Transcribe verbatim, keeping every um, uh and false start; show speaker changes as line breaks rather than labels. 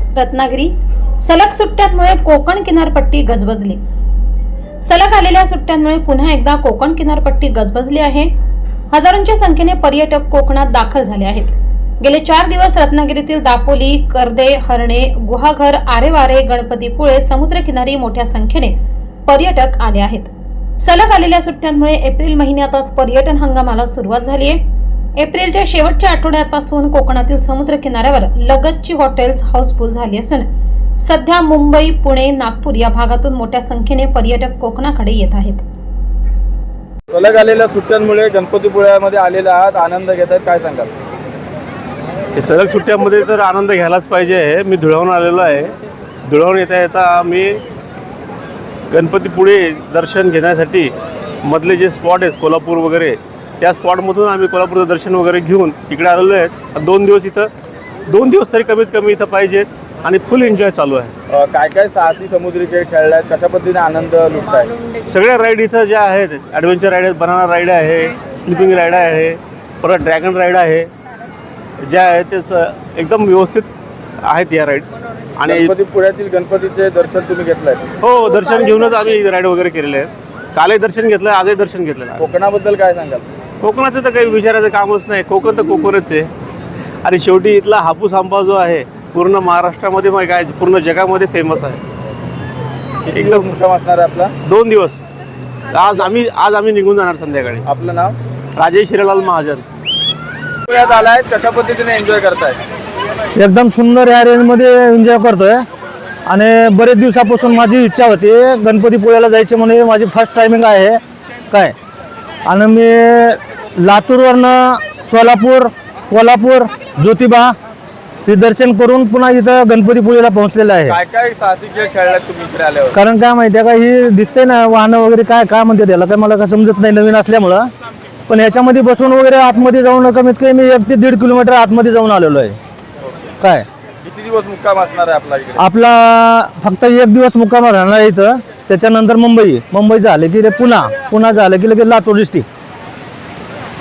रत्नागिरी सलग सुट्ट्यांमुळे कोकण किनारपट्टी गजबजली। सलग आलेल्या सुट्ट्यांमुळे पुन्हा एकदा कोकण किनारपट्टी गजबजली आहे। हजारोंच्या संख्येने पर्यटक कोकणात दाखल झाले आहेत। गेले चार दिवस रत्नागिरीतील दापोली, कर्दे, हरणे, गुहागर, आरेवारे, गणपतीपुळे समुद्रकिनारी मोठ्या संख्येने पर्यटक आले आहेत। सलग आलेल्या सुट्ट्यांमुळे एप्रिल महिन्यातच पर्यटन हंगामाला सुरुवात झाली आहे। एप्रिलच्या शेवटच्या आठवड्यापासून कोकणातील समुद्र किनाऱ्यावर लगतची हॉटेल्स हाऊसफुल झाली असून सध्या मुंबई, पुणे, नागपूर या भागातून मोठ्या संख्येने पर्यटक कोकणाकडे येत आहेत।
सलग आलेल्या सुट्ट्यांमुळे गणपतीपुळ्यामध्ये आलेले आहात, आनंद घेत आहेत, काय सांगाल?
हे सलग सुट्ट्यामध्ये तर आनंद घ्यायलाच पाहिजे। मी धुळ्याहून आलेलो आहे। धुळ्याहून येता येता मी गणपतीपुळे दर्शन घेण्यासाठी मधले जे स्पॉट आहेत कोल्हापूर वगैरे त्या स्पॉटमधून आम्ही कोल्हापूरचं दर्शन वगैरे घेऊन इकडे आलेलो आहेत। दोन दिवस इथं दोन दिवस तरी कमीत कमी इथं पाहिजेत आणि फुल एन्जॉय चालू आहे।
काय काय साहसी समुद्री खेळ खेळलाय, कशा पद्धतीने आनंद लुटताय?
सगळ्या राईड इथं ज्या आहेत, ॲडव्हेंचर राईड आहेत, बनाना राईड आहे, स्लिपिंग राईड आहे, परत ड्रॅगन राईड आहे, ज्या आहेत ते एकदम व्यवस्थित आहेत या राईड। आणि
गणपतीपुळ्यातील गणपतीचे दर्शन तुम्ही घेतलंय?
हो, दर्शन घेऊनच आम्ही राईड वगैरे केलेले आहेत। कालही दर्शन घेतलं, आजही दर्शन घेतलेलं आहे।
कोकणाबद्दल काय सांगाल?
कोकणाचं तर काही विचारायचं कामच नाही। कोकण तर कोकणच आहे आणि शेवटी इथला हापूस आंबा जो आहे पूर्ण महाराष्ट्रामध्ये मग काय पूर्ण जगामध्ये फेमस आहे।
एकदम मुक्काम असणार आहे आपला?
दोन दिवस। आज आम्ही आज आम्ही निघून जाणार संध्याकाळी।
आपलं नाव?
राजेश हिरालाल महाजन।
पुण्यात आलाय, कशा पद्धतीने एन्जॉय करताय?
एकदम सुंदर या रेंजमध्ये एन्जॉय करतोय आणि बरेच दिवसापासून माझी इच्छा होती गणपतीपुळ्याला जायचे म्हणून माझी फर्स्ट टायमिंग आहे काय। आणि मी लातूरवरनं सोलापूर, कोल्हापूर, ज्योतिबा हे दर्शन करून पुन्हा इथं गणपतीपुळेला पोहोचलेलं आहे।
काय काय साहसी खेळ खेळलात तुम्ही इकडे आल्यावर?
कारण काय माहिती आहे का, ही दिसते ना वाहनं वगैरे काय काय म्हणते त्याला, काय मला काय समजत नाही नवीन असल्यामुळं, पण ह्याच्यामध्ये बसून वगैरे आतमध्ये जाऊन कमीत कमी एक ते दीड किलोमीटर आतमध्ये जाऊन आलेलो आहे काय।
किती दिवस मुक्काम असणार आहे आपला इकडे?
आपला फक्त एक दिवस मुक्काम राहणार आहे इथं, त्याच्यानंतर मुंबई मुंबई झालं की रे पुन्हा पुन्हा झालं की लगेच लातूर डिस्ट्रिक्ट